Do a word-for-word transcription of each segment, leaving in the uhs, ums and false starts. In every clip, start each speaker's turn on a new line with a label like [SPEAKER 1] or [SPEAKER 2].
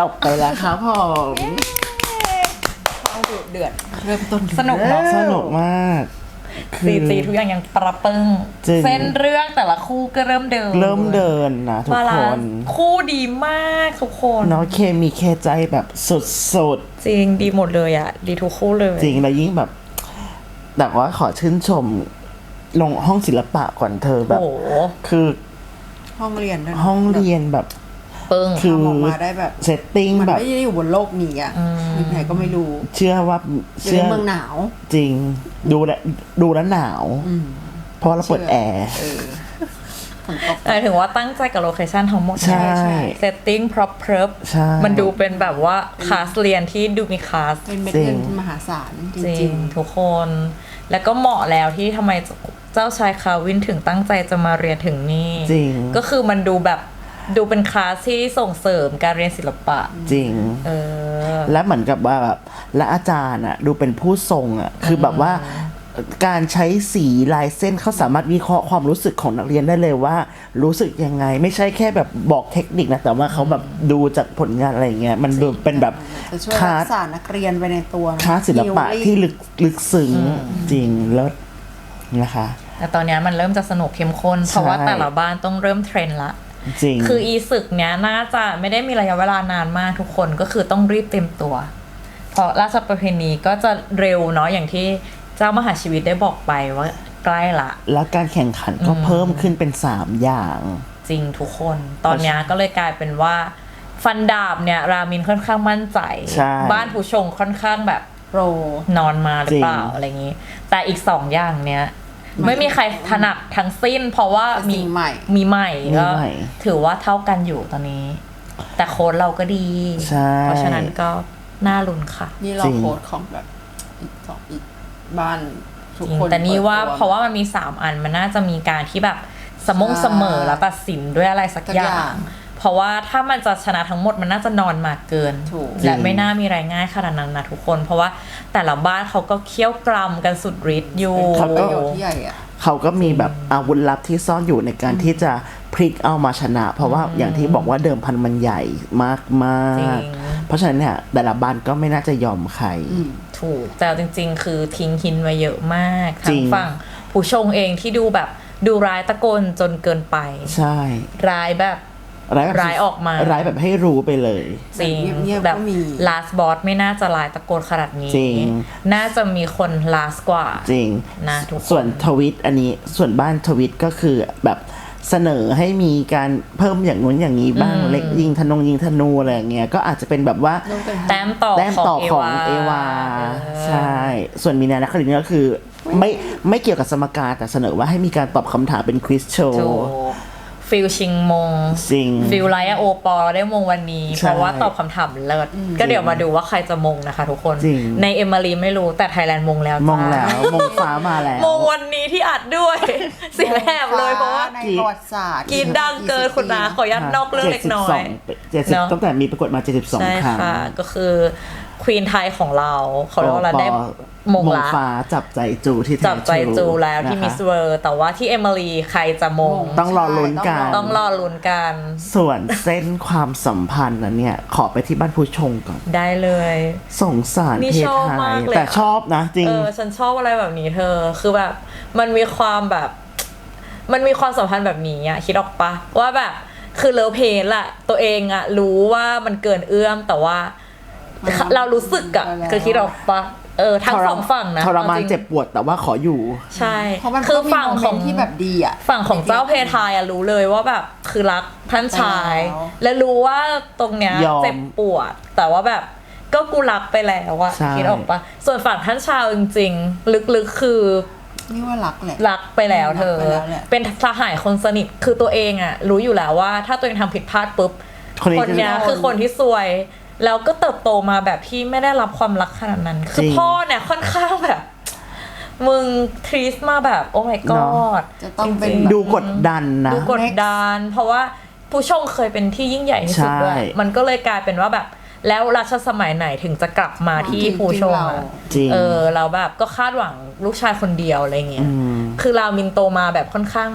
[SPEAKER 1] บไปแล้วครับผม
[SPEAKER 2] เข้าดุเดือดเริ่มต้น
[SPEAKER 3] สนุกเนาะ
[SPEAKER 1] สนุกมาก
[SPEAKER 3] ซีจีทุกอย่างยังประปึ้งเส้นเรื่องแต่ละคู่ก็เริ่มเดิน
[SPEAKER 1] เริ่มเดินนะทุกคน
[SPEAKER 3] คู่ดีมากทุกคน
[SPEAKER 1] เนาะเคมีเคใจแบบสุด
[SPEAKER 3] ๆจริงดีหมดเลยอ่ะดีทุกคู่เลย
[SPEAKER 1] จริงแล้วยิ่งแบบแต่ว่าขอชื่นชมลงห้องศิลปะก่อนเธอแบบคือ
[SPEAKER 2] ห้องเรียน
[SPEAKER 1] ห้องเรียนแบบ
[SPEAKER 3] ปึ้ง
[SPEAKER 1] คือ
[SPEAKER 2] ออกมาได้แบบ
[SPEAKER 1] เซตติ้งแบบ
[SPEAKER 2] มันไม่ได้อยู่บนโลกนี้อ่ะที่ไหนก็ไม่รู้
[SPEAKER 1] เชื่อว่า
[SPEAKER 2] เชื่อเมืองหนาว
[SPEAKER 1] จริงดูแลดูแล้วหนาวเพราะเราเปิดแอร์
[SPEAKER 3] แต่ถึงว่าตั้งใจกับโลเคชั่นทั้งหมด
[SPEAKER 1] ใช่
[SPEAKER 3] เซตติ้งพร็อพเพิร์ฟมันดูเป็นแบบว่าคลาสเรียนที่ดูมีคลาส
[SPEAKER 2] เป็นเม็ดเงินมหาศาลจริง
[SPEAKER 3] ๆทุกคนแล้วก็เหมาะแล้วที่ทำไมเจ้าชายคาวินถึงตั้งใจจะมาเรียนถึงนี่
[SPEAKER 1] จริง
[SPEAKER 3] ก็คือมันดูแบบดูเป็นคลาสที่ส่งเสริมการเรียนศิลปะ
[SPEAKER 1] จริง
[SPEAKER 3] เออ
[SPEAKER 1] และเหมือนกับว่าแบบและอาจารย์อ่ะดูเป็นผู้ทรงอ่ะคือแบบว่าการใช้สีลายเส้นเขาสามารถวิเคราะห์ความรู้สึกของนักเรียนได้เลยว่ารู้สึกยังไงไม่ใช่แค่แบบบอกเทคนิคนะแต่ว่าเขาแบบดูจากผลงานอะไรเงี้ยมันดูเป็นแบบ
[SPEAKER 2] คลาสนักเรียนไปในตัว
[SPEAKER 1] คลาสศิลปะที่ลึกลึกซึ้งจริงแล้วนะคะ
[SPEAKER 3] แต่ตอนนี้มันเริ่มจะสนุกเข้มข้นเพราะว่าแต่ละบ้านต้องเริ่มเทรนละ
[SPEAKER 1] จริง
[SPEAKER 3] คืออีศึกเนี้ยน่าจะไม่ได้มีระยะเวลานานมากทุกคนก็คือต้องรีบเต็มตัวเพราะราชประเพณีก็จะเร็วเนาะอย่างที่เจ้ามหาชีวิตได้บอกไปว่าใกล้ละ
[SPEAKER 1] แล้วการแข่งขันก็เพิ่มขึ้นเป็นสามอย่าง
[SPEAKER 3] จริงทุกคนตอนนี้ก็เลยกลายเป็นว่าฟันดาบเนี่ยรามินค่อนข้างมั่นใจบ้านผู้ชงค่อนข้างแบบ
[SPEAKER 2] โปร
[SPEAKER 3] นอนมาหรือเปล่าอะไรอย่างนี้แต่อีกสองอย่างเนี้ยไม่มีใครถนัดทั้งสิ้นเพราะว่ามี
[SPEAKER 2] ใหม่
[SPEAKER 3] มีใหม่ก็ถือว่าเท่ากันอยู่ตอนนี้แต่โค้ดเราก็ดีเพราะฉะนั้นก็น่าลุ้นค่ะ
[SPEAKER 2] นี่เราโค้ดของแบบอีกสองอีกบ้านทุกคน
[SPEAKER 3] แต่นี่ว่าเพราะว่ามันมีสามอันมันน่าจะมีการที่แบบสมงเสมอแล้วตัดสินด้วยอะไรสักอย่างเพราะว่าถ้ามันจะชนะทั้งหมดมันน่าจะนอนมาเกินและไม่น่ามีรายง่ายขนาดนั้นนะทุกคนเพราะว่าแต่ละบ้านเขาก็เคี่ยวกรำกันสุดฤทธิ์อยู่
[SPEAKER 2] เขาก็ใหญ่อะ
[SPEAKER 1] เขาก็มีแบบอาวุธลับที่ซ่อนอยู่ในการที่จะพลิกเอามาชนะเพราะว่าอย่างที่บอกว่าเดิมพันมันใหญ่มากมากเพราะฉะนั้นเนี่ยแต่ละบ้านก็ไม่น่าจะยอมใคร
[SPEAKER 3] ถูกแต่จริงๆคือทิ้งหินไว้เยอะมากทั้งฝั่งผู้ชงเองที่ดูแบบดูร้ายตะโกนจนเกินไป
[SPEAKER 1] ใช่
[SPEAKER 3] ร้ายแบบร้ายออกมา
[SPEAKER 1] ร้ายแบบให้รู้ไปเลย
[SPEAKER 3] จริงแบบ last boss ไม่น่าจะร้ายตะโกนขนาดนี้น่าจะมีคน last กว่า
[SPEAKER 1] จริง
[SPEAKER 3] นะทุกคน
[SPEAKER 1] ส่วนทวิตอันนี้ส่วนบ้านทวิตก็คือแบบเสนอให้มีการเพิ่มอย่างนู้นอย่างนี้บ้างเล็กยิงธนงยิงธนูอะไรอย่างเงี้ยก็อาจจะเป็นแบบว่า
[SPEAKER 3] แต้มต่อ
[SPEAKER 1] แต้มต่อของเอวาใช่ส่วนมีนานักครินก็คือไม่ไม่เกี่ยวกับสมการแต่เสนอว่าให้มีการตอบคำถามเป็นควิสโชว์
[SPEAKER 3] ฟิลชิงมงฟิลไลท์โอปอลได้มงวันนี้เพราะว่าตอบคำถามเลิศก็เดี๋ยวมาดูว่าใครจะมงนะคะทุกคนในเอมิลีไม่รู้แต่ไทยแลนด์มงแล้ว
[SPEAKER 1] มงแล้วมงฟ้ามาแล้ว
[SPEAKER 3] มงวันนี้ที่อัดด้วยเสียแหบเลยเพราะว่า
[SPEAKER 2] ในประวัติศาสตร์
[SPEAKER 3] กีดดังเกินคุณนาขอยัดนอกเรื่องเล็กน้อย
[SPEAKER 1] เจ็ดสิบตั้งแต่มีประกวดมาเจ็ดสิบสองครั้ง
[SPEAKER 3] ใช่ค่ะก็คือควีนไทยของเราเขาเรียกว่าเราได้มงละ
[SPEAKER 1] ฟ้าจับใจจูที่
[SPEAKER 3] จับใจจูแล้วที่มิสเวิร์แต่ว่าที่เอมิลีใครจะมง
[SPEAKER 1] ต้องรอลุ้นกัน
[SPEAKER 3] ต้องรอลุ้นกัน
[SPEAKER 1] ส่วนเส้นความสัมพันธ์นั้นเนี่ยขอไปที่บ้านผู้ชงก่อน
[SPEAKER 3] ได้เลย
[SPEAKER 1] สงสารเพทไทยแต่ชอบนะจริง
[SPEAKER 3] เออฉันชอบอะไรแบบนี้เธอคือแบบมันมีความแบบมันมีความสัมพันธ์แบบนี้อ่ะคิดออกปะว่าแบบคือเลิฟเพนแหละตัวเองอ่ะรู้ว่ามันเกินเอื้อมแต่ว่าเรารู้สึกอ่ะคือคิดออกปะเออทั้งสองฝั่งนะ
[SPEAKER 1] ทรมานเจ็บปวดแต่ว่าขออยู่
[SPEAKER 3] ใช่
[SPEAKER 2] คือฝั่งของที่แบบดีอ่ะ
[SPEAKER 3] ฝั่งของเจ้าเพทายอ่ะรู้เลยว่าแบบคือรักท่านชายและรู้ว่าตรงเนี้ยเจ็บปวดแต่ว่าแบบก็กูรักไปแล้วอะคิดออกปะส่วนฝั่งท่านชายจริงๆลึกๆคือ
[SPEAKER 2] นี่ว่ารักแหละ
[SPEAKER 3] รักไปแล้วเธอเป็นสหายคนสนิทคือตัวเองอ่ะรู้อยู่แล้วว่าถ้าตัวเองทำผิดพลาดปุ๊บคนเนี้ยคือคนที่ซวยแล้วก็เติบโตมาแบบที่ไม่ได้รับความรักขนาดนั้นคือพ่อเนี่ยค่อนข้างแบบมึงทรีสมาแบบโอ้ my god
[SPEAKER 2] จะต้องเป็น
[SPEAKER 1] ดูกดดันนะ
[SPEAKER 3] ดูกดดันเพราะว่าผู้ชงเคยเป็นที่ยิ่งใหญ่ที่สุดด้วยมันก็เลยกลายเป็นว่าแบบแล้วรัชสมัยไหนถึงจะกลับมาที่ผู้ชงอ่ะเออเราแบบก็คาดหวังลูกชายคนเดียวอะไรเงี้ยคือรามินโตมาแบบค่อนข้างแบบ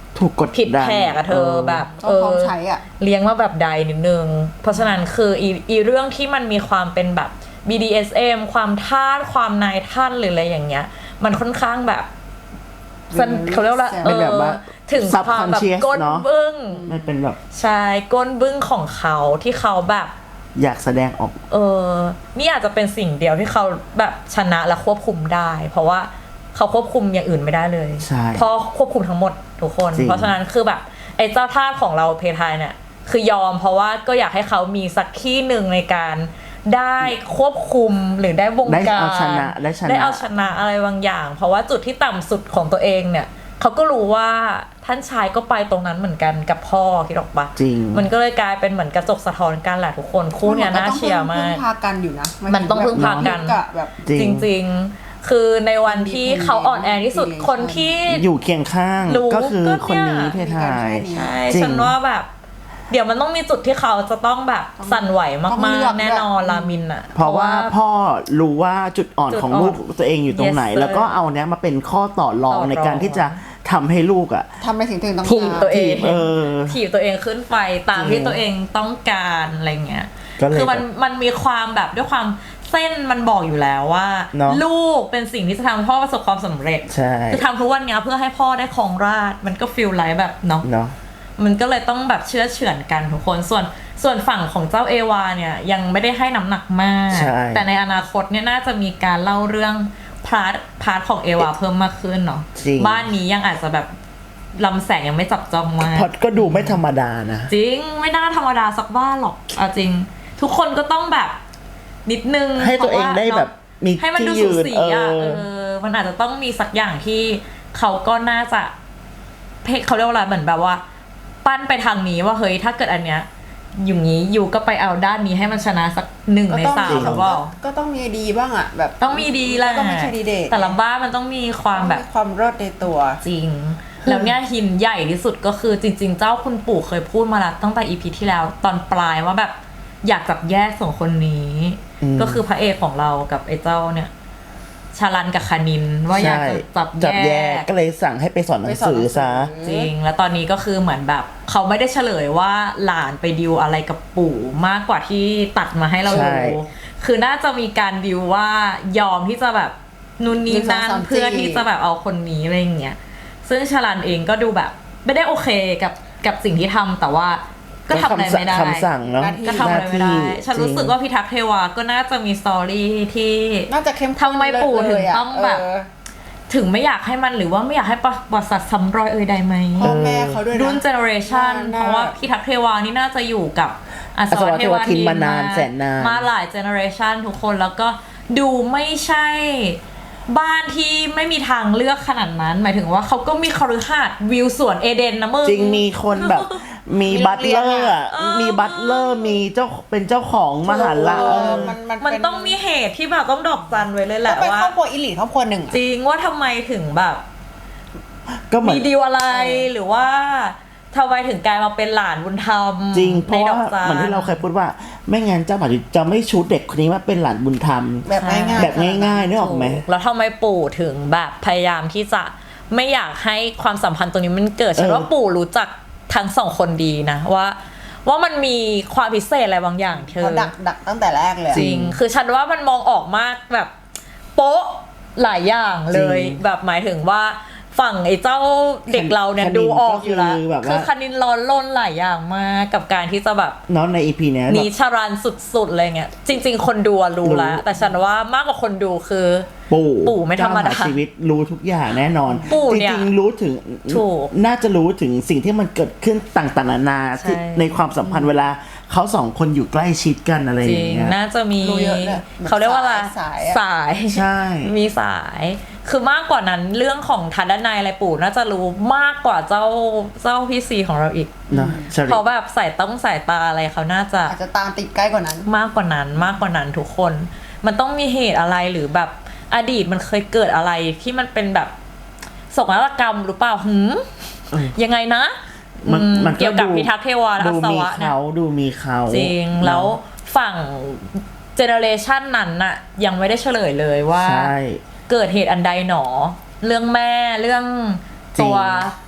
[SPEAKER 1] ถูกกด
[SPEAKER 3] ผิด
[SPEAKER 1] ดัน
[SPEAKER 3] แผกอะเธอแบบ
[SPEAKER 2] ต้องพร้อมใช้อ่ะ
[SPEAKER 3] เลี้ยงมาแบบใดนิดนึงเพราะฉะนั้นคืออีอีเรื่องที่มันมีความเป็นแบบ บี ดี เอส เอ็ม ความทาสความนายท่านหรืออะไรอย่างเงี้ยมันค่อนข้างแบบสันเขาเรียกว่าเอ
[SPEAKER 1] เป็นแบบ
[SPEAKER 3] อ
[SPEAKER 1] ว่า
[SPEAKER 3] ถึงความแบบ
[SPEAKER 1] subconscious
[SPEAKER 3] ก้น
[SPEAKER 1] เนอะ
[SPEAKER 3] บึ้ง
[SPEAKER 1] มันเป็นแบบ
[SPEAKER 3] ใช่ก้นบึ้งของเขาที่เขาแบบ
[SPEAKER 1] อยากแสดงออก
[SPEAKER 3] เออนี่อาจจะเป็นสิ่งเดียวที่เขาแบบชนะและควบคุมได้ เพราะว่าเขาควบคุมอย่างอื่นไม่ได้เลย
[SPEAKER 1] ใช่
[SPEAKER 3] เพราะควบคุมทั้งหมดทุกคน
[SPEAKER 1] จริง
[SPEAKER 3] เพราะฉะนั้นคือแบบไอ้เจ้าทาสของเราเพทายเนี่ยคือยอมเพราะว่าก็อยากให้เขามีสักที่หนึ่งในการได้ควบคุมหรือได้วง
[SPEAKER 1] ได้
[SPEAKER 3] การ
[SPEAKER 1] เอาชนะได้ชนะ
[SPEAKER 3] ได้เอาชนะอะไรบางอย่าง เพราะว่าจุดที่ต่ำสุดของตัวเองเนี่ยเขาก็รู้ว่าท่านชายก็ไปตรงนั้นเหมือนกันกับพ่อคิดออกปะ
[SPEAKER 1] จริง
[SPEAKER 3] มันก็เลยกลายเป็นเหมือนกระจกสะท้อนกันแหละทุกคนคู่เนี้ยน่าเชียร์มาก
[SPEAKER 2] พึ่งพากันอยู่นะ
[SPEAKER 3] มันต้องพึ่งพากัน
[SPEAKER 2] แบบแบบ
[SPEAKER 1] จริ
[SPEAKER 3] จ
[SPEAKER 1] ง
[SPEAKER 3] ริงๆ คือในวันที่เขาอ่อนแอที่สุด
[SPEAKER 2] Independent
[SPEAKER 3] คนที่
[SPEAKER 1] อยู่เคียงข้าง
[SPEAKER 3] รู้
[SPEAKER 1] ก็คือ
[SPEAKER 3] ก็
[SPEAKER 1] คน
[SPEAKER 3] เนี่ย
[SPEAKER 1] นี้เพทาย
[SPEAKER 3] ใช่
[SPEAKER 1] จริง
[SPEAKER 3] ฉันว่าแบบ เดี๋ยวมันต้องมีจุดที่เขาจะต้องแบบสั่นไหว
[SPEAKER 2] ต้อง
[SPEAKER 3] มา
[SPEAKER 2] เลื
[SPEAKER 3] ก
[SPEAKER 2] อก
[SPEAKER 3] ๆ แน่นอนรามินอ่ะ
[SPEAKER 1] เพราะว่าพ่อรู้ว่าจุดอ่อน
[SPEAKER 3] จุด
[SPEAKER 1] ของ
[SPEAKER 3] อ่อน
[SPEAKER 1] ลูกตัวเองอยู่ตรงไหน
[SPEAKER 3] Yes, sir
[SPEAKER 1] แล้วก็เอาเนี้ยมาเป็นข้อต่อรอง
[SPEAKER 3] ต่อรอง
[SPEAKER 1] ในการที่จะทำให้ลูกอ่ะ
[SPEAKER 2] ทำในสิ่งที่ตัวเองต้อง
[SPEAKER 3] ถีบ
[SPEAKER 2] การ
[SPEAKER 3] ตัวเอง
[SPEAKER 1] เออ
[SPEAKER 3] ถีบตัวเองขึ้นไปตาม
[SPEAKER 1] จริ
[SPEAKER 3] ที่
[SPEAKER 1] ง
[SPEAKER 3] ตัวเองต้องการอะไรเงี้ย
[SPEAKER 1] ก็เลย
[SPEAKER 3] คือมัน
[SPEAKER 1] แบบ
[SPEAKER 3] มันมีความแบบด้วยความเส้นมันบอกอยู่แล้วว่า
[SPEAKER 1] เนอะ
[SPEAKER 3] ลูกเป็นสิ่งที่จะทำให้พ่อประสบความสำเร็จ
[SPEAKER 1] ใช่
[SPEAKER 3] คือทำทุกวันเนี้ยเพื่อให้พ่อได้ครองราชย์มันก็ฟีลไลท์แบบเนาะ
[SPEAKER 1] เนาะ
[SPEAKER 3] มันก็เลยต้องแบบเชื่อเฉือนกันทุกคนส่วนส่วนฝั่งของเจ้าเอวาเนี่ยยังไม่ได้ให้น้ำหนักมาก
[SPEAKER 1] ใช่
[SPEAKER 3] แต่ในอนาคตเนี่ยน่าจะมีการเล่าเรื่องพาร์ทพาร์ทของเอวาเพิ่มมากขึ้นเนาะ
[SPEAKER 1] จริง
[SPEAKER 3] บ้านนี้ยังอาจจะแบบลำแสงยังไม่จับจ้องมาก
[SPEAKER 1] พอดก็ดูไม่ธรรมดานะ
[SPEAKER 3] จริงไม่น่าธรรมดาสักบ้านหรอกเอาจริง ทุกคนก็ต้องแบบนิดนึง
[SPEAKER 1] ให้ตัวเองได้แบบมี
[SPEAKER 3] ให้มัน
[SPEAKER 1] ที่
[SPEAKER 3] ดู
[SPEAKER 1] ยื
[SPEAKER 3] สู
[SPEAKER 1] น
[SPEAKER 3] สี
[SPEAKER 1] เอ
[SPEAKER 3] อ่ะ
[SPEAKER 1] อ
[SPEAKER 3] เออมันอาจจะต้องมีสักอย่างที่เขาก็น่าจะเพเขาเรียกว่าอะไรเหมือนแบบว่า ปั้นไปทางนี้ว่าเฮ้ยถ้าเกิดอันเนี้ยอยู่งี้อยู่ก็ไปเอาด้านนี้ให้มันชนะสักหนึ่ง
[SPEAKER 2] ก็
[SPEAKER 3] ใน
[SPEAKER 2] ต้อง
[SPEAKER 3] สาม
[SPEAKER 2] มี
[SPEAKER 3] หรือเปล่า
[SPEAKER 2] ก็ต้องมีดีบ้างอ่ะแบบ
[SPEAKER 3] ต้องมีดีแหละ
[SPEAKER 2] ก็ไม่ใช่ดีเด่น
[SPEAKER 3] แต่ละบ้านมันต้องมีความแบบ
[SPEAKER 2] มีความเลิศในตัว
[SPEAKER 3] จริง แล้วเนี่ยหินใหญ่ที่สุดก็คือจริง ๆ เจ้าคุณปู่เคยพูดมาแล้วตั้งแต่อีพีที่แล้วตอนปลายว่าแบบอยากจับแยกสองคนนี้
[SPEAKER 1] อืม
[SPEAKER 3] ก็คือพระเอกของเรากับไอ้เจ้าเนี่ยชาลันกับคานินว่าอยากจะจับ
[SPEAKER 1] จับ
[SPEAKER 3] แย
[SPEAKER 1] แยก
[SPEAKER 3] ก
[SPEAKER 1] ก็เลยสั่งให้ไปสอนหนังสือซะ
[SPEAKER 3] จริง แล้วตอนนี้ก็คือเหมือนแบบเขาไม่ได้เฉลยว่าหลานไปดิวอะไรกับปู่มากกว่าที่ตัดมาให้เรา
[SPEAKER 1] ใช่
[SPEAKER 3] ดูคือน่าจะมีการดิวว่ายอมที่จะแบบนู่นนี่นั่น
[SPEAKER 2] หนึ่งสองสามสี่
[SPEAKER 3] เพื่อที่จะแบบเอาคนนี้อะไรอย่างเงี้ยซึ่งชาลันเองก็ดูแบบไม่ได้โอเคกับกับสิ่งที่ทำแต่ว่าก็ทำอะไรไม่ได้
[SPEAKER 1] คำสั่งเนาะ
[SPEAKER 3] ก็ทำอะไรไม่ได้ ฉันรู้สึกว่าพิทักษ์เทวาก็น่าจะมีสตอรี่ที่
[SPEAKER 2] น่าจะเข้มข้น
[SPEAKER 3] ทำไมปู่ถึงต้องแบบ
[SPEAKER 2] เออ
[SPEAKER 3] ถึงไม่อยากให้มันหรือว่าไม่อยากให้ประวัติศาสตร์ซ้ำรอยเอ่ยใดไหม
[SPEAKER 2] พ่อแม่เขาด้วยนะ
[SPEAKER 3] รุ่นเจเนอเรชัน
[SPEAKER 2] น่า
[SPEAKER 3] เพราะว่าพี่ทักษ์เทวานี่น่าจะอยู่กับอส
[SPEAKER 1] อส
[SPEAKER 3] ว
[SPEAKER 1] ว
[SPEAKER 3] เท
[SPEAKER 1] เท
[SPEAKER 3] ว
[SPEAKER 1] ว
[SPEAKER 3] ทิ
[SPEAKER 1] ทิ
[SPEAKER 3] น
[SPEAKER 1] นมานานแสนนาน
[SPEAKER 3] มาหลายเจเนอเรชันทุกคนแล้วก็ดูไม่ใช่บ้านที่ไม่มีทางเลือกขนาดนั้น หมายถึงว่าเขาก็มีคฤหาสน์วิวสวนเอเดนนะมึง
[SPEAKER 1] จริงมีคนแบบมี
[SPEAKER 2] มี
[SPEAKER 1] บัตเลอร์อะ
[SPEAKER 3] เออ
[SPEAKER 1] มีบัตเลอร์มีเจ้าเป็นเจ้าของมหาลัย
[SPEAKER 2] เอ
[SPEAKER 1] เอ
[SPEAKER 2] อ
[SPEAKER 1] อ
[SPEAKER 2] มันมัน
[SPEAKER 3] มัน
[SPEAKER 2] เป็น
[SPEAKER 3] ต้องมีเหตุที่แบบต้องดอกจันไว้เลยแห
[SPEAKER 2] ก็
[SPEAKER 3] ละ
[SPEAKER 2] เป็น
[SPEAKER 3] ว่า
[SPEAKER 2] ครอบครัวอิลิทครอบครัวหนึ่งอะ
[SPEAKER 3] จริงว่าทำไมถึงแบบ
[SPEAKER 1] ก็เหมือน
[SPEAKER 3] มีดีลอะไรหรือว่าทำไมถึงกลายมาเป็นหลานบุญธรรม
[SPEAKER 1] จริงเพราะ
[SPEAKER 3] ในด
[SPEAKER 1] ว่า
[SPEAKER 3] อกจาน
[SPEAKER 1] เหมือนที่เราเคยพูดว่าไม่งั้นเจ้าหมาจะไม่ชูเด็กคนนี้ว่าเป็นหลานบุญธรรม
[SPEAKER 2] แบบง่ายๆ
[SPEAKER 1] แบบง่ายๆนึกออกไหม
[SPEAKER 3] ถูแล้วทำไมปู่ถึงแบบพยายามที่จะไม่อยากให้ความสัมพันธ์ตรงนี้มันเกิดฉัน
[SPEAKER 1] เออ
[SPEAKER 3] ว่าปู่รู้จักทั้งสองคนดีนะว่า ว่ามันมีความพิเศษอะไรบางอย่างเธอ
[SPEAKER 2] เขาดักดักตั้งแต่แรกเลยอะ
[SPEAKER 3] จริง คือฉันว่ามันมองออกมากแบบโป๊ะหลายอย่างเลย
[SPEAKER 1] จริง
[SPEAKER 3] แบบหมายถึงว่าฝั่งไอ้เจ้าเด็กเราเนี่ย
[SPEAKER 1] คณิน
[SPEAKER 3] ดูออกอยู่แล้ว
[SPEAKER 1] ก็คือแบบว่า
[SPEAKER 3] คือคณินร้อนล้นหลายอย่างมากกับการที่จะแบบ
[SPEAKER 1] เนาะในอีพีเนี้ย
[SPEAKER 3] หนี
[SPEAKER 1] แบบ
[SPEAKER 3] ชารันสุดๆเลยเงี้ยจริง ๆ คนดูอะรู้แล้ว
[SPEAKER 1] รู้
[SPEAKER 3] แต่ฉันว่ามากกว่าคนดูคือ
[SPEAKER 1] ปู่
[SPEAKER 3] ปู่ไม่ธรรมดา
[SPEAKER 1] เจ้หชีวิตรู้ทุกอย่างแน่นอน
[SPEAKER 3] ปู่
[SPEAKER 1] จ
[SPEAKER 3] เนี่ย
[SPEAKER 1] ริงๆรู้ถึง
[SPEAKER 3] ถูก
[SPEAKER 1] น่าจะรู้ถึงสิ่งที่มันเกิดขึ้นต่างๆนานา
[SPEAKER 3] ใช่
[SPEAKER 1] ที่ในความสัมพันธ์เวลาเขาสองคนอยู่ใกล้ชิดกันอะไร
[SPEAKER 3] จ
[SPEAKER 1] อ
[SPEAKER 3] ริ
[SPEAKER 1] ย่าง งเงี้ย
[SPEAKER 3] น่าจะมี
[SPEAKER 2] รู้เยอะเลย
[SPEAKER 3] เขาเรียกว่าอะไร
[SPEAKER 2] สายอะ
[SPEAKER 3] สาย
[SPEAKER 1] ใช่
[SPEAKER 3] มีสาย คือมากกว่านั้นเรื่องของทันด้านในอะไรปู่น่าจะรู้มากกว่าเจ้าเจ้าพี่ซีของเราอีก
[SPEAKER 1] เนาะชริ
[SPEAKER 3] เพราะแบบสายต้องสายตาอะไรเขาน่าจะ
[SPEAKER 2] อาจจะตามติดใกล้กว่านั้น
[SPEAKER 3] มากกว่านั้นมากกว่านั้นทุกคน มันต้องมีเหตุอะไรหรือแบบอดีตมันเคยเกิดอะไรที่มันเป็นแบบโศกนาฏกรรมหรือเปล่าหืม
[SPEAKER 1] เออ
[SPEAKER 3] ยังไงนะ
[SPEAKER 1] มัน
[SPEAKER 3] อืม
[SPEAKER 1] มัน
[SPEAKER 3] เกี่ยวกับพิทักษ์เทวาและ
[SPEAKER 1] ดู
[SPEAKER 3] อัศ
[SPEAKER 1] มี
[SPEAKER 3] วะเนี่ย
[SPEAKER 1] เขาดูมีเขา
[SPEAKER 3] จริง
[SPEAKER 1] เนอะ
[SPEAKER 3] แล้วฝั่งเจเนอเรชันนั้นน่ะยังไม่ได้เฉลยเลยว่า
[SPEAKER 1] ใช่
[SPEAKER 3] เกิดเหตุอันใดหนอ เรื่องแม่เรื่องตัว
[SPEAKER 1] จ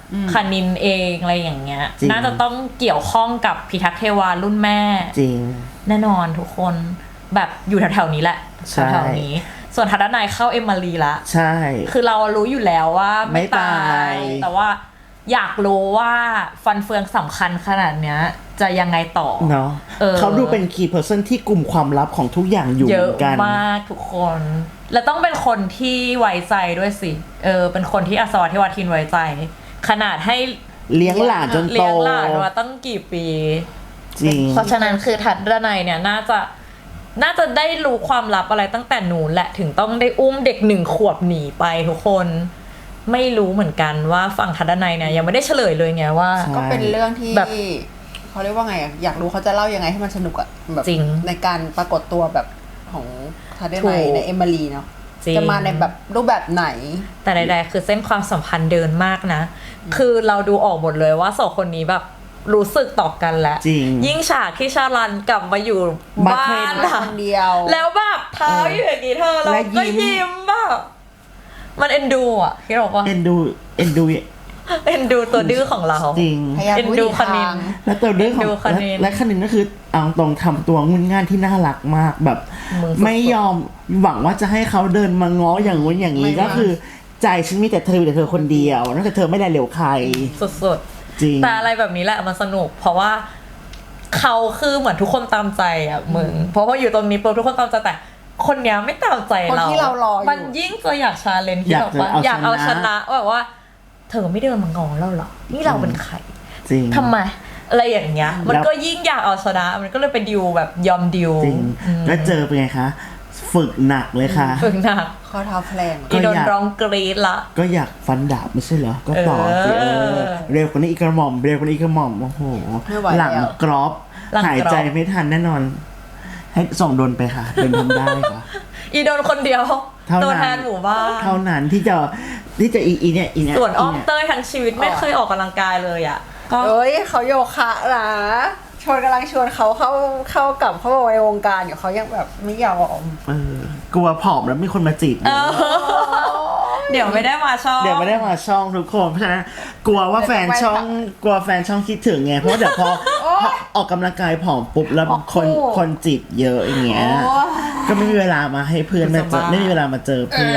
[SPEAKER 3] คณินเองอะไรอย่างเงี้ย
[SPEAKER 1] จริง
[SPEAKER 3] น่าจะต้องเกี่ยวข้องกับพิทักษ์เทวารุ่นแม่
[SPEAKER 1] จริง
[SPEAKER 3] แน่นอนทุกคนแบบอยู่แถวๆนี้แหละ
[SPEAKER 1] ใช่
[SPEAKER 3] แถวๆนี้ ส่วนทัดนายเข้าเอมมารีละ
[SPEAKER 1] ใช่
[SPEAKER 3] คือเรารู้อยู่แล้วว่าไม่
[SPEAKER 1] ไม่
[SPEAKER 3] ตา
[SPEAKER 1] ตาย
[SPEAKER 3] ย แต่ว่าอยากรู้ว่าฟันเฟืองสำคัญขนาดเนี้ยจะยังไงต่อ
[SPEAKER 1] เนาะ
[SPEAKER 3] เออ
[SPEAKER 1] เขาดูเป็น key person ที่กลุ่มความลับของทุกอย่างอยู่
[SPEAKER 3] เย
[SPEAKER 1] เห
[SPEAKER 3] อะ
[SPEAKER 1] มือนกัน
[SPEAKER 3] มากทุกคน และต้องเป็นคนที่ไว้ใจด้วยสิ เออ เป็นคนที่อัศวทิวาทินไว้ใจ ขนาดให้
[SPEAKER 1] เลี้ยงหลานจนโต
[SPEAKER 3] เลี้ยงหลานมาตั้งกี่ปี
[SPEAKER 1] จริง
[SPEAKER 3] เพราะฉะนั้นคือทัดดนัยเนี่ยน่าจะน่าจะได้รู้ความลับอะไรตั้งแต่หนูแหละถึงต้องได้อุ้มเด็กหนึ่งขวบหนีไปทุกคนไม่รู้เหมือนกันว่าฝั่งทัดดนัยเนี่ยยังไม่ได้เฉลยเลยไงว่า
[SPEAKER 1] ใช่
[SPEAKER 2] ก็เป็นเรื่องที่
[SPEAKER 3] แบบ
[SPEAKER 2] เขาเรียกว่าไงอะอยากรู้เขาจะเล่ายังไงให้มันสนุกอะแบบ
[SPEAKER 3] จริง
[SPEAKER 2] ในการปรากฏตัวแบบของทาเด
[SPEAKER 3] ถู
[SPEAKER 2] ไน
[SPEAKER 3] ก
[SPEAKER 2] ในเอมิลีเนาะ
[SPEAKER 3] จริง
[SPEAKER 2] จะมาในแบบรูปแบบไหน
[SPEAKER 3] แต่ใดๆคือเส้นความสัมพันธ์เดินมากนะ คือเราดูออกหมดเลยว่าสองคนนี้แบบรู้สึกต่อกันแล้ว
[SPEAKER 1] จริง
[SPEAKER 3] ยิ่งฉากที่ชาลันกลับมาอยู่
[SPEAKER 1] มา
[SPEAKER 3] บ้า
[SPEAKER 1] เทรน
[SPEAKER 3] น
[SPEAKER 2] ค
[SPEAKER 3] อะ
[SPEAKER 2] นเดียว
[SPEAKER 3] แล้วแบบเท้าอยู่อย่างนี้เธอเรา
[SPEAKER 1] และ
[SPEAKER 3] ก็
[SPEAKER 1] ยิ้ม
[SPEAKER 3] ยิ้มแบบมันเอ็นดูอ่ะที่เราว่า
[SPEAKER 1] เอ็นดูเอ็นดู
[SPEAKER 3] เอ็นดูตัวดื้อของเรา
[SPEAKER 1] จริง
[SPEAKER 2] พยายาม
[SPEAKER 3] เอ็น
[SPEAKER 2] พูด
[SPEAKER 3] ดู
[SPEAKER 2] อีก
[SPEAKER 3] คณิ
[SPEAKER 2] ทาน ง
[SPEAKER 1] แล้วตัวเรื่องของ
[SPEAKER 3] ดูคณิน
[SPEAKER 1] และและคณินก็คือเอาตรงทำตัวงุนง่านที่น่ารักมากแบบ
[SPEAKER 3] มึงสุดๆ
[SPEAKER 1] ไม่ยอมหวังว่าจะให้เขาเดินมาง้ออย่างงู้นอย่างนี้
[SPEAKER 2] ไม่
[SPEAKER 1] ก็คือใจฉันมีแต่เธอมีแต่เธอคนเดียวนอกจากเธอไม่ได้เหลวใคร
[SPEAKER 3] สุด
[SPEAKER 1] จริง
[SPEAKER 3] ๆแต่อะไรแบบนี้แหละมันสนุก เพราะว่าเขาคือเหมือนทุกคนตามใจอ่ะมึงเพราะว่าอยู่ตรงนี้ปุ๊บทุกคนตามใจแต่คนเนี้ยไม่ตามใจ
[SPEAKER 2] คน
[SPEAKER 3] เรา
[SPEAKER 2] ที่เรารออยู่
[SPEAKER 3] มันยิ่งจะอยากชาเลนจ์ที่
[SPEAKER 1] อยาก
[SPEAKER 3] แบบว่า
[SPEAKER 1] จะเอา
[SPEAKER 3] อยากเอา
[SPEAKER 1] ช
[SPEAKER 3] ช
[SPEAKER 1] นะ
[SPEAKER 3] นะแบบว่า เธอไม่เดินมางอเราเหรอนี่เราเป็นใคร
[SPEAKER 1] จริง
[SPEAKER 3] ทำไมอะไรอย่างเงี้ย มัน
[SPEAKER 1] แล้ว
[SPEAKER 3] ก็ยิ่งอยากเอาชนะ มันก็เลยไปดิวแบบยอมดิว
[SPEAKER 1] จริง
[SPEAKER 3] อืม
[SPEAKER 1] แล้วเจอเป็นไงคะ ฝึกหนักเลยค่ะ
[SPEAKER 3] ฝึกหนัก
[SPEAKER 2] ข้อเท้าแพลง
[SPEAKER 1] ก็
[SPEAKER 3] อีโดน
[SPEAKER 1] อยาก
[SPEAKER 3] ร้องกรี๊ดละ
[SPEAKER 1] ก็อยากฟันดาบไม่ใช่เหรอ ก็ต่อสิ
[SPEAKER 3] เอ
[SPEAKER 1] เอ
[SPEAKER 3] อ
[SPEAKER 1] อ เร็วกว่านี้อีกกระหม่อมเร็วกว่านี้อีกกระหม่อมโอ้โห
[SPEAKER 2] ไม่ไหว
[SPEAKER 1] หลัง
[SPEAKER 2] แล้ว
[SPEAKER 1] กรอบ
[SPEAKER 3] หลังกรอบ
[SPEAKER 1] หายใจไม่ทันแน่นอน ให้ส่งโดนไปค่ะเดินทำได้ค่ะ
[SPEAKER 3] อีโดนคนเดียว
[SPEAKER 1] เท่านั้น
[SPEAKER 3] ตัวแทนหมู่บ้าน
[SPEAKER 1] เท่านั้นที่จะที่จะอีอีเนี่ยอีเนี่ย
[SPEAKER 3] ส่วนอ้อม
[SPEAKER 1] เนี่ย
[SPEAKER 3] เต้ยทั้งชีวิตไม่เคยออกกำลังกายเลยอ่ะ ก็
[SPEAKER 2] เอ้ยเขาโยคะนะชวนกำลังชวนเขาเข้าเข้ากลับเข้ามาในวงการอยู่เขายังแบบไม่ยอม
[SPEAKER 1] เออกลัวผอมแล้วมีคนมาจีบ
[SPEAKER 3] เออ เดี๋ยวไม่ได้มาชอบ
[SPEAKER 1] เดี๋ยวไม่ได้มาช่องทุกคนเพราะฉะนั้นกลัวว่าแฟนช่องกลัวแฟนช่องคิดถึงไงเพราะว่าเดี๋ยวพอพอออกกำลังกายผอมปุ๊บแล้วคนคนจีบเยอะอย่างเงี้ย
[SPEAKER 2] โอ้ย
[SPEAKER 1] ก็ไม่มีเวลามาให้เพื่อนมาเจอไม่มีเวลามาเจอเพื่อน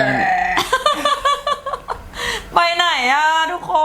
[SPEAKER 3] ไปไหนอ่ะทุกคน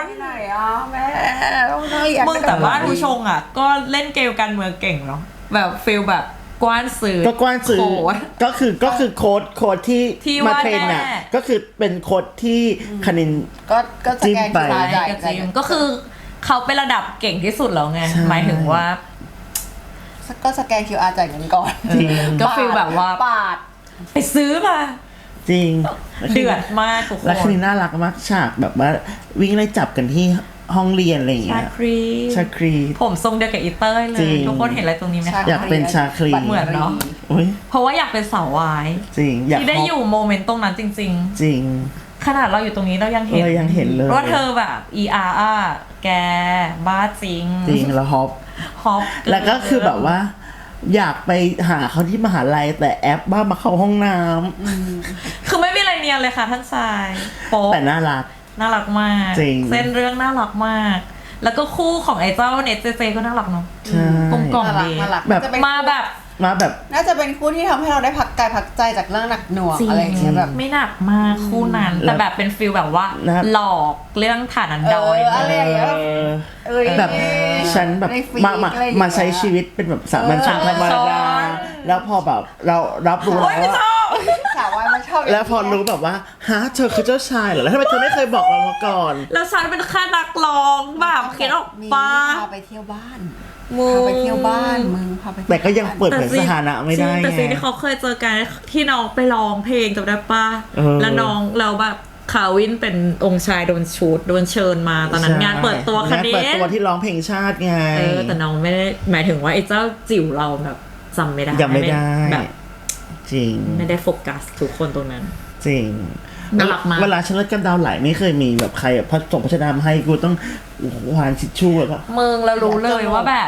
[SPEAKER 2] ไหนอ่ะแม่ต้องได้อยาก
[SPEAKER 3] มึงแต่บ้านผู้ชงอ่ะ ก็เล่นเกมการเมืองเก่งเนาะแบบฟิลแบบกว้านสื่อ
[SPEAKER 1] ก็กว้านสื่อ
[SPEAKER 3] โค้ด
[SPEAKER 1] ก็คือก็คือโค้ดโค้ดที่
[SPEAKER 3] ที่
[SPEAKER 1] มา
[SPEAKER 3] ว่า
[SPEAKER 1] เทรนน่ะ
[SPEAKER 3] แน่
[SPEAKER 1] ก็คือเป็นโค้ดที่คณิน
[SPEAKER 2] ก็ก็สแกน
[SPEAKER 1] จิ้มไป
[SPEAKER 2] คิวอาร์
[SPEAKER 3] ใช่
[SPEAKER 2] จ่าย
[SPEAKER 3] ก็จริงก็คือเขาเป็นระดับเก่งที่สุดแล้วไง
[SPEAKER 1] ใช่
[SPEAKER 3] หมายถึงว่า
[SPEAKER 2] ก็สแกน คิว อาร์ จ่ายเงินก่อน
[SPEAKER 1] จริง
[SPEAKER 3] ก็ฟีลแบบว่า
[SPEAKER 2] ปาด
[SPEAKER 3] ไปซื้อมา
[SPEAKER 1] จริง
[SPEAKER 3] เดือดมากทุกค
[SPEAKER 1] แล้วคณิ
[SPEAKER 3] น
[SPEAKER 1] นน่ารักมากฉากแบบว่าวิ่งไล่จับกันที่ห้องเรียนอะไรอย่าง
[SPEAKER 3] ชา
[SPEAKER 1] เงี้ย
[SPEAKER 3] ครี
[SPEAKER 1] ชาครี
[SPEAKER 3] ผมทรงเดียวกับอีเต้ยเล
[SPEAKER 1] จริ
[SPEAKER 3] ย
[SPEAKER 1] ง
[SPEAKER 3] ทุกคนเห็นอะไรตรงนี้ไหมคะ
[SPEAKER 1] อยากเป็นชาคลี
[SPEAKER 3] เหมือนเนาะ
[SPEAKER 1] โอ้ย
[SPEAKER 3] เพราะว่าอยากเป็นสาววาย
[SPEAKER 1] จริงอยาก
[SPEAKER 3] ที่ได้
[SPEAKER 1] ฮป
[SPEAKER 3] อยู่โมเมนต์ตรงนั้นจริง
[SPEAKER 1] จริง
[SPEAKER 3] ๆ ขนาดเราอยู่ตรงนี้เรายังเห็น
[SPEAKER 1] เรายังเห็นเลย
[SPEAKER 3] ว่าเธอแบบ อี อาร์ อ่ะแกบ้าจริง
[SPEAKER 1] จริงแล้วฮอป
[SPEAKER 3] ฮอปเน
[SPEAKER 1] แล้วก็คือแบบว่า อยากไปหาเขาที่มหาลัยแต่แอปบ้ามาเข้าห้องน้ำ
[SPEAKER 3] คือไม่มีอะไรเนียนเลยค่ะท่านชายโป๊ะ
[SPEAKER 1] แต่น่ารัก
[SPEAKER 3] น่ารักมาก
[SPEAKER 1] จริง
[SPEAKER 3] เส้นเรื่องน่ารักมาก แล้วก็คู่ของไอ้เจ้าเนตเจเจก็น่ารักเนาะ
[SPEAKER 1] ใช่
[SPEAKER 3] กลมกล่อม
[SPEAKER 2] น่ารัก
[SPEAKER 3] ดี
[SPEAKER 2] น่ารัก
[SPEAKER 1] แบบ
[SPEAKER 2] จะเป็น
[SPEAKER 3] มาแบบ
[SPEAKER 1] มาแบบ
[SPEAKER 2] น่าจะเป็นคู่ที่ทำให้เราได้พักกายพักใจจากเรื่องหนักหน่วงอะไรอย่างเงี้ยแบบ
[SPEAKER 3] ไม่หนักมากคู่นั้น แต่แบบเป็นฟิลแบบว่า
[SPEAKER 1] นะ
[SPEAKER 3] หลอกเรื่องฐานันดอย
[SPEAKER 2] เอออะไรอย่างเงี้ย
[SPEAKER 1] เออ
[SPEAKER 2] เอ้ย
[SPEAKER 1] แบบฉันแบบ
[SPEAKER 2] ในฟีด
[SPEAKER 1] มามา
[SPEAKER 2] อะไรอย่างเงี้ย
[SPEAKER 1] มาใช้ชีวิตเป็นแบบสามัญชนธรรมดาแล้วพอแบบเรารับรู้
[SPEAKER 3] โอ๊ย
[SPEAKER 1] แล้ว
[SPEAKER 3] ไม่ช
[SPEAKER 1] ว่า
[SPEAKER 3] อบ
[SPEAKER 2] สาววายมันชอบย่าง
[SPEAKER 1] แล้วพอรู้แบบว่าฮะเธอคือเจ้าชายเหรอแล้วทำไมเธอไม่เคยบอกเรามาก่อน
[SPEAKER 3] แล้วฉันเป็นแค่นักร้องแบบคิดออก
[SPEAKER 2] มี
[SPEAKER 3] ปะ
[SPEAKER 2] พาไปเที่ยวบ้าน
[SPEAKER 3] มึง
[SPEAKER 2] พาไปเที่ยวบ้านมึงพาไปเที่ยว
[SPEAKER 1] แต่ก็ยังเปิด
[SPEAKER 3] แต่
[SPEAKER 1] เผยสถานะไม่ได้
[SPEAKER 3] จริงแต่
[SPEAKER 1] ไง
[SPEAKER 3] สิ่งที่เขาเคยเจอกันที่น้องไปร้องเพลงจำได้ปะ
[SPEAKER 1] เออ
[SPEAKER 3] แล้วน้องเราแบบคาวินเป็นองค์ชายโดนชูดโดนเชิญมาตอนนั้นงานเปิดตัวค
[SPEAKER 1] งาน
[SPEAKER 3] ดี
[SPEAKER 1] เปิดตัวที่ร้องเพลงชาติไง
[SPEAKER 3] เออแต่น้องไม่ได้หมายถึงว่าไอ้เจ้าจิ๋วเราแบบจำไม่ได้
[SPEAKER 1] ยังไม่ได้
[SPEAKER 3] แบบ
[SPEAKER 1] จริง
[SPEAKER 3] ไม่ได้โฟกัสทุกคนตรงนั้น
[SPEAKER 1] จริง
[SPEAKER 3] น่ารักมาก
[SPEAKER 1] เวลาฉันเลิกกันดาวไหลไม่เคยมีแบบใครแบบพัดส่งพัชดามาให้กูต้องโอ้โหหวานชิชชู่แล้วก็
[SPEAKER 3] มึงเรารู้เลยว่าแบบ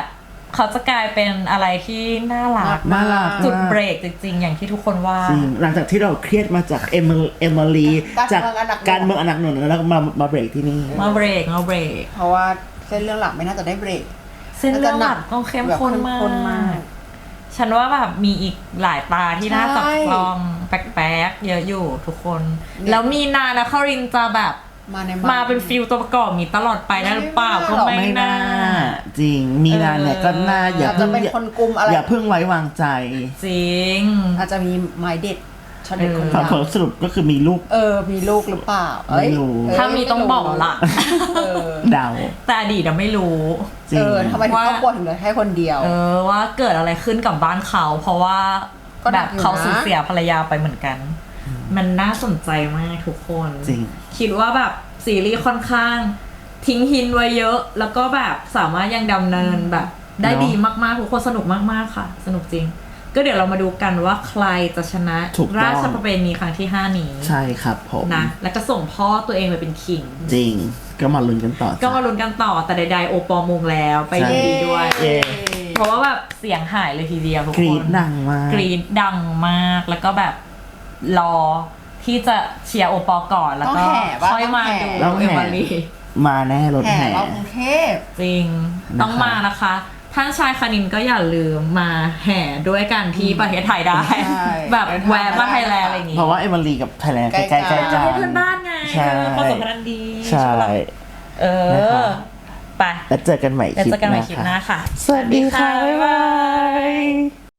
[SPEAKER 3] เขาจะกลายเป็นอะไรที่น่ารัก
[SPEAKER 1] น่ารัก
[SPEAKER 3] จุด
[SPEAKER 1] มาก
[SPEAKER 3] เบรกจริงๆ อย่างที่ทุกคนว่า
[SPEAKER 1] จริงหลังจากที่เราเครียดมาจากเอมิเอมิลีจากการเมืองอันหนักหน่วงแล้วมามาเบรกที่นี่
[SPEAKER 3] มาเบรกมาเบรก
[SPEAKER 2] เพราะว่าเส้นเรื่องหลักไม่น่าจะได้เบรก
[SPEAKER 3] เส้นเรื่องหลักต้องเข้มข้น
[SPEAKER 2] แบบเข้ม
[SPEAKER 3] มา
[SPEAKER 2] ข้นมาก
[SPEAKER 3] ก ฉันว่าแบบมีอีกหลายตาที่น่าจับจ้องแปลกๆเยอะอยู่ทุกคน แล้วมีนานะคารินจะแบบ
[SPEAKER 2] มาใน
[SPEAKER 3] มาเป็นฟิลตัวประกอบมีตลอดไปได้หรือเปล่าก็ไม่
[SPEAKER 1] ไม่
[SPEAKER 3] น่า
[SPEAKER 1] น่าจริงมีนาเนี่ยก็น่าอย่า
[SPEAKER 2] อาจจะ
[SPEAKER 1] เพิ่ง
[SPEAKER 2] เป็นคนกุมอะไร
[SPEAKER 1] อย่าเพิ่งไว้วางใจ
[SPEAKER 3] จริง
[SPEAKER 2] อาจจะมีไม้เด็ดช็อตเด็ดคน
[SPEAKER 1] ผล
[SPEAKER 2] ดัง
[SPEAKER 1] ผลสรุปก็คือมีลูก
[SPEAKER 2] เออมีลูกหรือเปล่าเอ้ย
[SPEAKER 1] ไม่รู้
[SPEAKER 2] เอ้ย
[SPEAKER 3] ถ้ามีต้องบอกละ
[SPEAKER 2] เออ
[SPEAKER 1] เดา
[SPEAKER 3] แต่อดีตอะไม่รู้
[SPEAKER 1] จริ
[SPEAKER 2] เอง อทำไมถึง
[SPEAKER 3] ว่า
[SPEAKER 2] ครอบครัวถึงเหลือแค่คนเดียว
[SPEAKER 3] เออว่าเกิดอะไรขึ้นกับบ้านเขา เพราะว่า
[SPEAKER 2] ก็ห
[SPEAKER 3] แบ
[SPEAKER 2] นัก
[SPEAKER 3] บ
[SPEAKER 2] อยู่นะ
[SPEAKER 3] เขาสูญเสียภรรยาไปเหมือนกัน มันน่าสนใจมากทุกคน
[SPEAKER 1] จริง
[SPEAKER 3] คิดว่าแบบซีรีส์ค่อนข้าง ทิ้งหินไว้เยอะ แล้วก็แบบสามารถยังดำเนินแบบได้
[SPEAKER 1] เนอะ
[SPEAKER 3] ดีมากๆทุกคนสนุกมากๆค่ะ สนุกจริง ก็เดี๋ยวเรามาดูกันว่าใครจะชนะ
[SPEAKER 1] ถูกต้อง
[SPEAKER 3] ราชประเพณีครั้งที่ห้านี้
[SPEAKER 1] ใช่ครับผม
[SPEAKER 3] นะแล้วก็ส่งพ่อตัวเองไปเป็นคิง
[SPEAKER 1] จริงก็มาลุ้นกันต่อ
[SPEAKER 3] ก็มาลุ้นกันต่อแต่ใดๆโอปอลมงแล้วไป
[SPEAKER 1] ใช่
[SPEAKER 3] ยินดีด้วย
[SPEAKER 1] เย้
[SPEAKER 3] เพราะว่าแบบเสียงหายเลยทีเดียวทุก
[SPEAKER 1] กรี
[SPEAKER 3] ค
[SPEAKER 1] ด
[SPEAKER 3] น
[SPEAKER 1] ดังมาก
[SPEAKER 3] กรีดดังมากแล้วก็แบบรอที่จะเชียร์โอปอลก่อนแล้วก็
[SPEAKER 2] ต้องแห่ปะ
[SPEAKER 3] ค่อยมาดู
[SPEAKER 1] ต้อง
[SPEAKER 3] เอ
[SPEAKER 1] แห่
[SPEAKER 3] มารี
[SPEAKER 1] มาแน่รถ
[SPEAKER 2] แห่
[SPEAKER 1] แห่
[SPEAKER 2] เรากรุงเทพ
[SPEAKER 3] จริง
[SPEAKER 1] นะคะ
[SPEAKER 3] ต้องมานะคะ ท่านชายคณินก็อย่าลืมมาแห่ด้วยกันที่ประเทศไทยได้
[SPEAKER 2] ใช่
[SPEAKER 3] แบบแวะมาไทยแลนด์อะไรอย่างงี้
[SPEAKER 1] เพราะว่าเอมิลีกับไทยแลนด์ใกล้ๆ
[SPEAKER 2] ใกล้
[SPEAKER 1] กั
[SPEAKER 2] ๆ
[SPEAKER 1] น
[SPEAKER 3] ประเทศเพื่อนบ้านไง
[SPEAKER 1] ใช่
[SPEAKER 3] เออความสัมพันธ์ดี
[SPEAKER 1] ใช่
[SPEAKER 3] เอ
[SPEAKER 1] นะคะ
[SPEAKER 3] อไป
[SPEAKER 1] แล้วเจอกันใหม่
[SPEAKER 3] แล้ว
[SPEAKER 1] คลิป
[SPEAKER 3] เจอกันใหม่
[SPEAKER 1] ห
[SPEAKER 3] คลิป
[SPEAKER 1] น้า
[SPEAKER 3] หน้า
[SPEAKER 1] ค่ะ
[SPEAKER 3] ค่ะ
[SPEAKER 1] สวัสดีค่ะ บ๊ายบาย